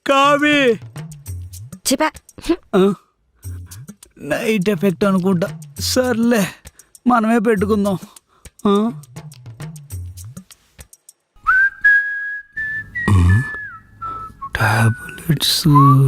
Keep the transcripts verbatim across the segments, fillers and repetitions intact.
కావి చెప్పా night effect అనుకుంటా. సర్లే మనమే పెట్టుకుందాం. టాబ్లెట్స్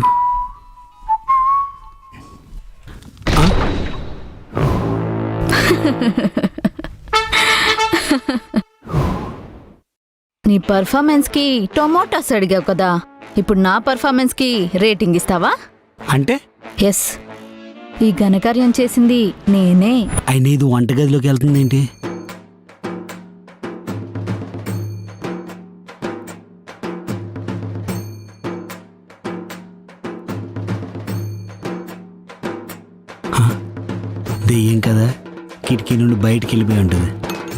నీ పర్ఫార్మెన్స్ కి టొమాటోస్ అడిగావు కదా, ఇప్పుడు నా పర్ఫార్మెన్స్ కి రేటింగ్ ఇస్తావా? అంటే ఎస్, ఈ ఘనకార్యం చేసింది నేనే. అయినా ఇది వంటగదిలోకి వెళ్తుంది ఏంటి? దెయ్యం కదా, కిటికీ నుండి బయటికి వెళ్ళిపోయి ఉంటుంది.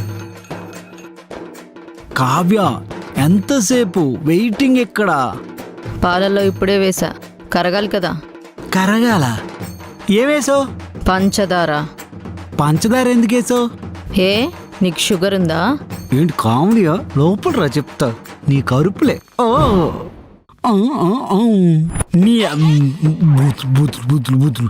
కావ్య, ఎంతసేపు వెయిటింగ్ ఎక్కడా? పాలల్లో ఇప్పుడే వేసా, కరగాలి కదా. కరగాల? ఏమేసావు? పంచదార. పంచదార ఎందుకు వేసావు? ఏ నీకు షుగర్ ఉందా? ఏంటి కామెడీయా? లోపల రా చెప్తా. నీ కరుపులే. ఓ నీ బూతులు బూతులు బూతులు బూతులు.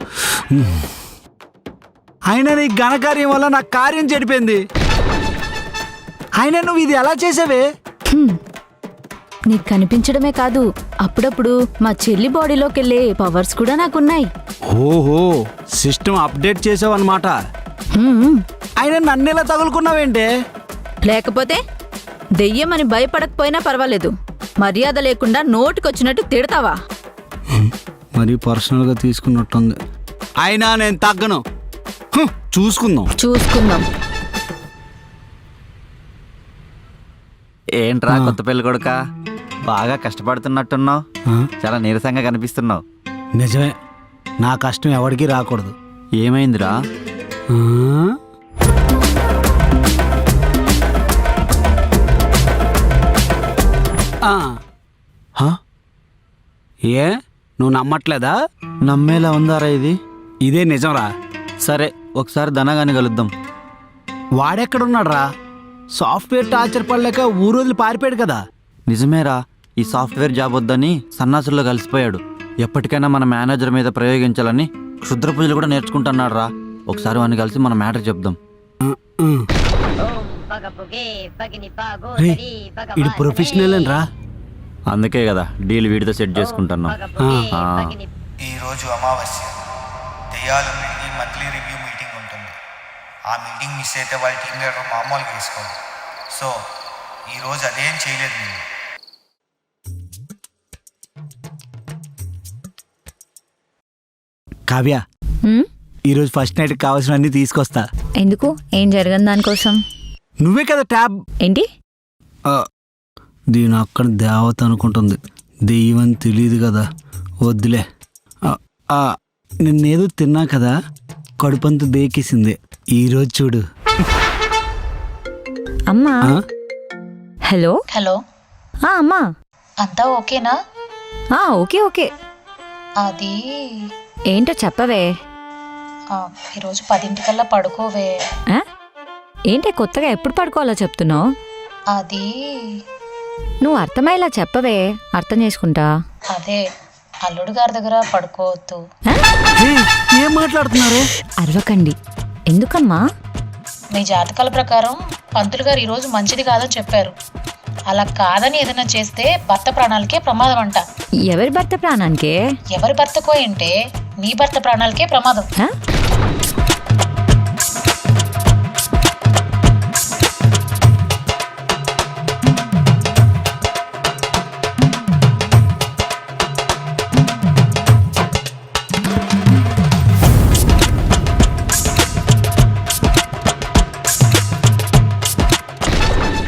అయినా నీ ఘనకార్యం వల్ల నా కార్యం చెడిపోయింది. అయినా నువ్వు ఇది ఎలా చేసావే? నీకు కనిపించడమే కాదు, అప్పుడప్పుడు మా చెల్లి బాడీలోకి వెళ్ళే పవర్స్ కూడా నాకున్నాయి. ఓహో, సిస్టమ్ అప్డేట్ చేసావు అన్నమాట. అయినా నన్నెలా తగులుకున్నావేంటే? లేకపోతే దెయ్యమని భయపడకపోయినా పర్వాలేదు, మర్యాద లేకుండా నోటికొచ్చినట్టు తిడతావా? మరీ పర్సనల్గా తీసుకున్నట్టుంది. అయినా నేను తగ్గను. చూసుకుందాం చూసుకుందాం. ఏంట్రా కొత్త పెళ్లి కొడుక, బాగా కష్టపడుతున్నట్టున్నావు, చాలా నీరసంగా కనిపిస్తున్నావు. నిజమే, నా కష్టం ఎవరికి రాకూడదు. ఏమైందిరా? ఏ నువ్వు నమ్మట్లేదా? నమ్మేలా ఉందారా ఇది? ఇదే నిజంరా. సరే, ఒకసారి ధనగాని కలుద్దాం. వాడెక్కడున్నాడు రా? సాఫ్ట్వేర్ టార్చర్ పడలేక ఊరోజులు పారిపోయాడు కదా. నిజమేరా, ఈ సాఫ్ట్వేర్ జాబ్ వద్దని సన్నాసుల్లో కలిసిపోయాడు. ఎప్పటికైనా మన మేనేజర్ మీద ప్రయోగించాలని క్షుద్ర పూజలు కూడా నేర్చుకుంటున్నాడు రా. ఒకసారి వాడిని కలిసి మన మ్యాటర్ చెప్దాం. ఇది ప్రొఫెషనల్ అని రా. అందుకే కదా డీల్ వీడితో సెట్ చేసుకుంటున్నాం. ఈరోజు అమావాస్య, దెయ్యాలన్నింటికి మంత్లీ రివ్యూ మీటింగ్ ఉంటుంది. ఆ మీటింగ్ మిస్ అయితే వాళ్ళ టీం లీడర్ మామూలుగా వేసుకోవాలి. సో ఈరోజు అదేం చేయలేదు నేను. కావ్య, ఈరోజు ఫస్ట్ నైట్ కావాల్సినవన్నీ తీసుకొస్తా. ఎందుకు? ఏం జరగని దానికోసం? నువ్వే కదా ట్యాబ్. ఏంటి? దీని అక్కడ దేవత అనుకుంటుంది, దెయ్యం తెలియదు కదా. వద్దులే. నిన్నేదో తిన్నా కదా, కడుపంతా దేకేసింది. ఈరోజు చూడు. అమ్మా. Hello hello. అమ్మా, అంతా ఓకేనా? Okay okay. అది ఏంటో చెప్పవే. ఈరోజు పదింటికల్లా పడుకోవే. ఏంటి కొత్తగా ఎప్పుడు పడుకోవాలో చెప్తున్నావు? అది నువ్వు అర్థమయ్యేలా చెప్పవే, అర్థం చేసుకుంటా. అదే అల్లుడు గారి దగ్గర పడుకోవద్దు. ఏం మాట్లాడుతున్నారు? అరవకండి. ఎందుకమ్మా? మీ జాతకాల ప్రకారం పంతులు గారు ఈరోజు మంచిది కాదని చెప్పారు. అలా కాదని ఏదైనా చేస్తే భర్త ప్రాణాలకే ప్రమాదం అంట. ఎవరి భర్త ప్రాణానికే? ఎవరి భర్తకో ఏంటే, నీ భర్త ప్రాణాలకే ప్రమాదం.